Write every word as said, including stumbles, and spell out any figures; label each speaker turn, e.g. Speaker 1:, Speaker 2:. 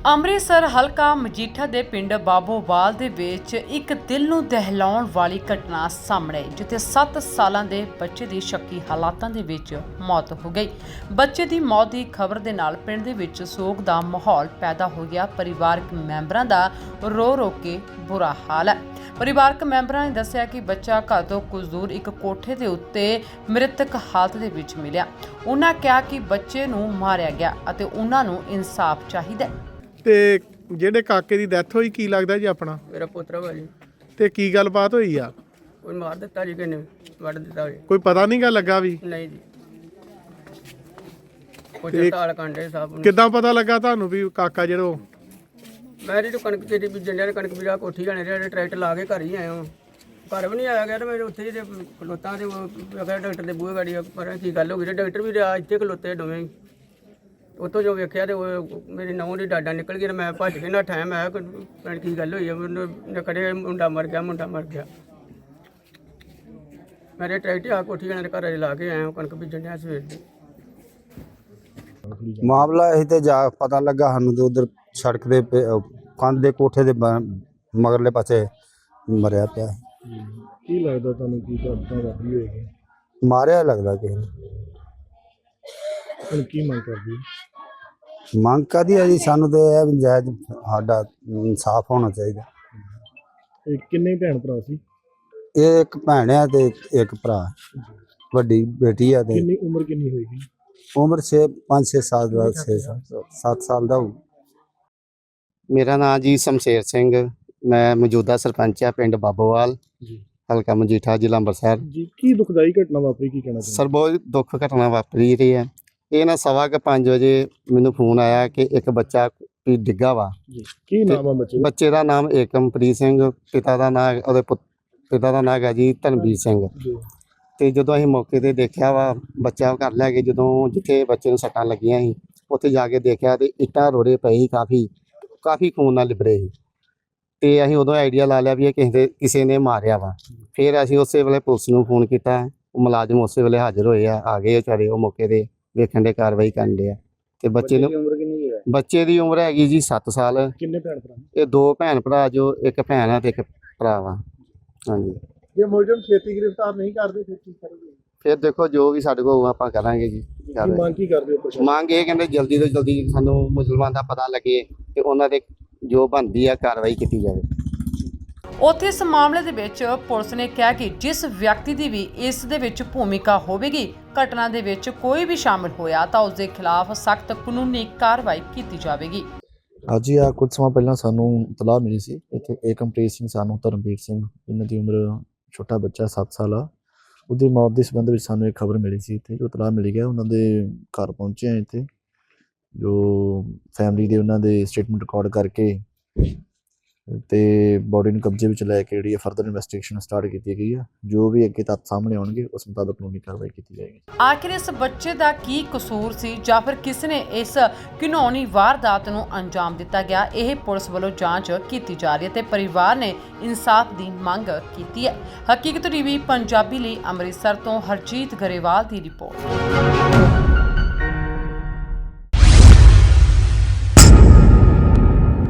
Speaker 1: ਅੰਮ੍ਰਿਤਸਰ ਹਲਕਾ ਮਜੀਠਾ ਦੇ ਪਿੰਡ ਬਾਬੋਵਾਲ ਦੇ ਵਿੱਚ ਇੱਕ ਦਿਲ ਨੂੰ ਦਹਿਲਾਉਣ ਵਾਲੀ ਘਟਨਾ ਸਾਹਮਣੇ ਆਈ, ਜਿੱਥੇ ਸੱਤ ਸਾਲਾਂ ਦੇ ਬੱਚੇ ਦੀ ਸ਼ੱਕੀ ਹਾਲਾਤਾਂ ਦੇ ਵਿੱਚ ਮੌਤ ਹੋ ਗਈ। ਬੱਚੇ ਦੀ ਮੌਤ ਦੀ ਖਬਰ ਦੇ ਨਾਲ ਪਿੰਡ ਦੇ ਵਿੱਚ ਸੋਗ ਦਾ ਮਾਹੌਲ ਪੈਦਾ ਹੋ ਗਿਆ। ਪਰਿਵਾਰਕ ਮੈਂਬਰਾਂ ਦਾ ਰੋ ਰੋ ਕੇ ਬੁਰਾ ਹਾਲ ਹੈ। ਪਰਿਵਾਰਕ ਮੈਂਬਰਾਂ ਨੇ ਦੱਸਿਆ ਕਿ ਬੱਚਾ ਘਰ ਤੋਂ ਕੁਝ ਦੂਰ ਇੱਕ ਕੋਠੇ ਦੇ ਉੱਤੇ ਮ੍ਰਿਤਕ ਹਾਲਤ ਦੇ ਵਿੱਚ ਮਿਲਿਆ। ਉਹਨਾਂ ਕਿਹਾ ਕਿ ਬੱਚੇ ਨੂੰ ਮਾਰਿਆ ਗਿਆ ਅਤੇ ਉਹਨਾਂ ਨੂੰ ਇਨਸਾਫ ਚਾਹੀਦਾ ਹੈ।
Speaker 2: ਤੇ ਜਿਹੜੇ ਕਾਕੇ ਦੀ ਡੈਥ ਹੋਈ ਕੀ ਲੱਗਦਾ ਜੀ ਆਪਣਾ?
Speaker 3: ਮੇਰਾ ਪੁੱਤਰ ਵਾ ਜੀ।
Speaker 2: ਤੇ ਕੀ ਗੱਲਬਾਤ ਹੋਈ ਆ?
Speaker 3: ਕੋਈ ਮਾਰ ਦਿੱਤਾ ਜੀ, ਕਿਨੇ ਵੱਢ ਦਿੱਤਾ ਜੀ।
Speaker 2: ਕੋਈ ਪਤਾ ਨਹੀਂ ਗਾ ਲੱਗਾ ਵੀ?
Speaker 3: ਨਹੀਂ ਜੀ, ਕੋਈ ਤਾਲ ਕਾਂਡੇ ਸਾਹਿਬ ਨੂੰ।
Speaker 2: ਕਿੱਦਾਂ ਪਤਾ ਲੱਗਾ ਤੁਹਾਨੂੰ ਵੀ ਕਾਕਾ ਜਿਹੜਾ ਉਹ?
Speaker 3: ਮੈਂ ਜੀ ਕਣਕ ਤੇਰੀ ਬੀਜਣ ਡਿਆ, ਕਣਕ ਬੀਜਾ ਕੋਠੀ ਜਾਣੇ ਜਿਹੜੇ ਟਰੈਕਟਰ ਲਾ ਕੇ ਘਰ ਹੀ ਆਇਆ ਹਾਂ। ਘਰ ਵੀ ਨਹੀਂ ਆਇਆ ਗਿਆ ਤੇ ਮੈਂ ਉੱਥੇ ਜਿਹੇ ਖਲੋਤਾ ਤੇ ਉਹ ਡਾਕਟਰ ਦੇ ਬੂਹੇ ਗਾੜੀ ਪਰ ਕੀ ਗੱਲ ਹੋ ਗਈ। ਡਾਕਟਰ ਵੀ ਰਿਹਾ ਇੱਥੇ ਖਲੋਤੇ ਦੋਵੇਂ ਹੀ। ਉੱਥੋਂ ਜੋ ਵੇਖਿਆ ਤੇ ਉਹ ਮੇਰੀ ਨਹੁੰ ਦੀ ਡਾਡਾ ਨਿਕਲ ਗਈ। ਮੈਂ ਭੱਜ ਕੇ ਨੱਠਾ। ਮੈਂ ਕਿਹਾ ਕੀ ਗੱਲ ਹੋਈ ਹੈ? ਮੈਨੂੰ ਕੜੇ ਮੁੰਡਾ ਮਰ ਗਿਆ, ਮੁੰਡਾ ਮਰ ਗਿਆ। ਮੇਰੇ ਟਰੈਕਟਰ ਆ ਕੋਠੀ ਜਾਣੇ ਦੇ ਘਰ ਲਾ ਕੇ ਆਇਆ ਕਣਕ ਬੀਜਣ ਡਿਆ ਸਵੇਰ ਦੀ।
Speaker 4: ਮਾਮਲਾ ਇਹ ਤੇ ਜਾ ਪਤਾ ਲੱਗਾ ਸਾਨੂੰ ਤੇ ਉਧਰ ਸੜਕ ਦੇ ਕੰਧ ਦੇ ਕੋਠੇ ਦੇ ਮਗਰਲੇ ਪਾਸੇ ਮਰਿਆ ਪਿਆ।
Speaker 2: ਕੀ ਲੱਗਦਾ ਤੁਹਾਨੂੰ ਕੀ ਘਟਨਾ ਵਾਪਰੀ ਹੋਏਗੀ?
Speaker 4: ਮਾਰਿਆ ਲੱਗਦਾ ਕਿਸੇ ਨੇ।
Speaker 2: ਹੁਣ ਕੀ ਮੰਗ ਕਰਦੀ?
Speaker 4: ਮੰਗ ਕਾਹਦੀ ਹੈ ਜੀ? ਸਾਨੂੰ ਤੇ ਇਹ ਵੀ ਜਾਇਜ਼ ਸਾਡਾ ਇਨਸਾਫ ਹੋਣਾ ਚਾਹੀਦਾ।
Speaker 2: ਇਹ ਕਿੰਨੇ ਭੈਣ ਭਰਾ ਸੀ?
Speaker 4: ਇਹ ਇੱਕ ਭੈਣ ਆ ਤੇ ਇੱਕ ਭਰਾ, ਵੱਡੀ ਬੇਟੀ ਆ। ਤੇ
Speaker 2: ਕਿੰਨੀ ਉਮਰ ਕਿੰਨੀ ਹੋਏਗੀ?
Speaker 4: ਉਮਰ ਛੇ ਪੰਜ ਛੇ ਸਾਲ ਦਾ ਛੇ ਸੱਤ ਸਾਲ ਦਾ ਹੋਊ।
Speaker 5: ਮੇਰਾ ਨਾਮ ਜੀ ਸ਼ਮਸ਼ੇਰ ਸਿੰਘ, ਮੈਂ ਮੌਜੂਦਾ ਸਰਪੰਚ ਆ ਪਿੰਡ ਬਾਬੋਵਾਲ, ਹਲਕਾ ਮਜੀਠਾ, ਜ਼ਿਲ੍ਹਾ ਅੰਮ੍ਰਿਤਸਰ
Speaker 2: ਜੀ। ਕੀ ਦੁਖਦਾਈ ਘਟਨਾ ਵਾਪਰੀ, ਕੀ ਕਹਿਣਾ ਚਾਹੁੰਦੇ?
Speaker 5: ਸਰ ਬਹੁਤ ਦੁੱਖ ਘਟਨਾ ਵਾਪਰੀ ਰਹੀ ਹੈ। ਇਹ ਨਾ ਸਵਾ ਕੇ ਪੰਜ ਵਜੇ ਮੈਨੂੰ ਫੋਨ ਆਇਆ ਕਿ ਇੱਕ ਬੱਚਾ ਵੀ ਡਿੱਗਾ ਵਾ।
Speaker 2: ਜੀ ਕੀ ਨਾਮ ਆ ਬੱਚੇ ਦਾ?
Speaker 5: ਬੱਚੇ ਦਾ ਨਾਮ ਏਕਮਪ੍ਰੀਤ ਸਿੰਘ, ਪਿਤਾ ਦਾ ਨਾਮ ਉਹਦੇ ਪਿਤਾ ਦਾ ਨਾਮ ਹੈ ਜੀ ਧਨਵੀਰ ਸਿੰਘ। ਤੇ ਜਦੋਂ ਅਸੀਂ ਮੌਕੇ ਤੇ ਦੇਖਿਆ ਵਾ, ਬੱਚਾ ਘਰ ਲੈ ਕੇ ਜਦੋਂ ਜਿੱਥੇ ਬੱਚੇ ਨੂੰ ਸੱਟਾਂ ਲੱਗੀਆਂ ਸੀ ਉੱਥੇ ਜਾ ਕੇ ਦੇਖਿਆ ਤੇ ਇੱਟਾਂ ਰੋੜੇ ਪਏ ਸੀ, ਕਾਫੀ ਕਾਫੀ ਖੂਨ ਨਾਲ ਲਿਬੜੇ ਸੀ। ਤੇ ਅਸੀਂ ਉਦੋਂ ਆਈਡੀਆ ਲਾ ਲਿਆ ਵੀ ਇਹ ਕਿਸੇ ਦੇ ਕਿਸੇ ਨੇ ਮਾਰਿਆ ਵਾ। ਫਿਰ ਅਸੀਂ ਉਸੇ ਵੇਲੇ ਪੁਲਿਸ ਨੂੰ ਫੋਨ ਕੀਤਾ। ਉਹ ਮੁਲਾਜ਼ਮ ਉਸੇ ਵੇਲੇ ਹਾਜ਼ਰ ਹੋਏ ਆ, ਆ ਗਏ ਵਿਚਾਰੇ ਉਹ ਮੌਕੇ ਤੇ ਵੇਖਣ ਦੇ ਕਾਰਵਾਈ ਕਰਨ ਦੇ ਆ। ਤੇ ਬੱਚੇ ਨੂੰ
Speaker 2: ਉਮਰ ਕਿੰਨੀ ਹੈ?
Speaker 5: ਬੱਚੇ ਦੀ ਉਮਰ ਹੈਗੀ ਜੀ ਸੱਤ ਸਾਲ।
Speaker 2: ਕਿੰਨੇ ਭੈਣ ਭਰਾ?
Speaker 5: ਇਹ ਦੋ ਭੈਣ ਭਰਾ, ਜੋ ਇੱਕ ਭੈਣ ਆ ਤੇ ਇੱਕ ਭਰਾ ਵਾ। ਹਾਂਜੀ,
Speaker 2: ਜੇ ਮੁਲਜ਼ਮ ਛੇਤੀ ਗ੍ਰਿਫਤਾਰ ਨਹੀਂ ਕਰਦੇ ਫਿਰ ਕੀ ਕਰੋਗੇ?
Speaker 5: ਫਿਰ ਦੇਖੋ ਜੋ ਵੀ ਸਾਡੇ ਕੋਲ ਆਪਾਂ ਕਰਾਂਗੇ ਜੀ।
Speaker 2: ਕੀ ਮੰਗ ਕੀ ਕਰਦੇ ਹੋ ਪ੍ਰਸ਼ਾਸਨ?
Speaker 5: ਮੰਗ ਇਹ ਕਹਿੰਦੇ ਜਲਦੀ ਤੋਂ ਜਲਦੀ ਸਾਨੂੰ ਮੁਸਲਮਾਨ ਦਾ ਪਤਾ ਲੱਗੇ ਤੇ ਉਹਨਾਂ ਦੇ ਜੋ ਬਣਦੀ ਆ ਕਾਰਵਾਈ ਕੀਤੀ ਜਾਵੇ।
Speaker 1: ਉੱਥੇ ਇਸ ਮਾਮਲੇ ਦੇ ਵਿੱਚ ਪੁਲਿਸ ਨੇ ਕਿਹਾ ਕਿ ਜਿਸ ਵਿਅਕਤੀ ਦੀ ਵੀ ਇਸ ਦੇ ਵਿੱਚ ਭੂਮਿਕਾ ਹੋਵੇਗੀ, ਘਟਨਾ ਦੇ ਵਿੱਚ ਕੋਈ ਵੀ ਸ਼ਾਮਿਲ ਹੋਇਆ ਤਾਂ ਉਸ ਦੇ ਖਿਲਾਫ ਸਖਤ ਕਾਨੂੰਨੀ ਕਾਰਵਾਈ ਕੀਤੀ ਜਾਵੇਗੀ।
Speaker 6: ਅੱਜ ਹੀ ਆ ਕੁਝ ਸਮਾਂ ਪਹਿਲਾਂ ਸਾਨੂੰ ਇਤਲਾਹ ਮਿਲੀ ਸੀ ਇੱਥੇ ਏਕਮਪ੍ਰੀਤ ਸਿੰਘ ਸਾਨੂੰ ਧਰਮਵੀਰ ਸਿੰਘ, ਇਹਨਾਂ ਦੀ ਉਮਰ ਛੋਟਾ ਬੱਚਾ ਸੱਤ ਸਾਲ ਆ, ਉਹਦੀ ਮੌਤ ਦੇ ਸੰਬੰਧ ਵਿੱਚ ਸਾਨੂੰ ਇੱਕ ਖਬਰ ਮਿਲੀ ਸੀ। ਇੱਥੇ ਜੋ ਇਤਲਾਹ ਮਿਲੀ ਗਿਆ, ਉਹਨਾਂ ਦੇ ਘਰ ਪਹੁੰਚੇ ਆ। ਇੱਥੇ ਜੋ ਫੈਮਿਲੀ ਦੇ ਉਹਨਾਂ ਦੇ ਸਟੇਟਮੈਂਟ ਰਿਕਾਰਡ ਕਰਕੇ ਤੇ ਬੋਡੀ ਨੂੰ ਕਬਜ਼ੇ ਵਿੱਚ ਲੈ ਕੇ ਜਿਹੜੀ ਫਰਦਰ ਇਨਵੈਸਟੀਗੇਸ਼ਨ ਸਟਾਰਟ ਕੀਤੀ ਗਈ ਆ। ਜੋ ਵੀ ਅੱਗੇ ਤੱਥ ਸਾਹਮਣੇ ਆਉਣਗੇ ਉਸ ਮੁਤਾਬਕ ਕਾਨੂੰਨੀ ਕਾਰਵਾਈ ਕੀਤੀ ਜਾਏਗੀ।
Speaker 1: ਆਖਿਰ ਇਸ ਬੱਚੇ ਦਾ ਕੀ ਕਸੂਰ ਸੀ ਜਾਂ ਫਿਰ ਕਿਸ ਨੇ ਇਸ ਘਿਨੌਣੀ ਵਾਰਦਾਤ ਨੂੰ ਅੰਜਾਮ ਦਿੱਤਾ ਗਿਆ, ਇਹ ਪੁਲਿਸ ਵੱਲੋਂ ਜਾਂਚ ਕੀਤੀ ਜਾ ਰਹੀ ਹੈ ਤੇ ਪਰਿਵਾਰ ਨੇ ਇਨਸਾਫ ਦੀ ਮੰਗ ਕੀਤੀ ਹੈ। ਹਕੀਕਤ ਟੀਵੀ ਪੰਜਾਬੀ ਲਈ ਅੰਮ੍ਰਿਤਸਰ ਤੋਂ ਹਰਜੀਤ ਗਰੇਵਾਲ ਦੀ ਰਿਪੋਰਟ।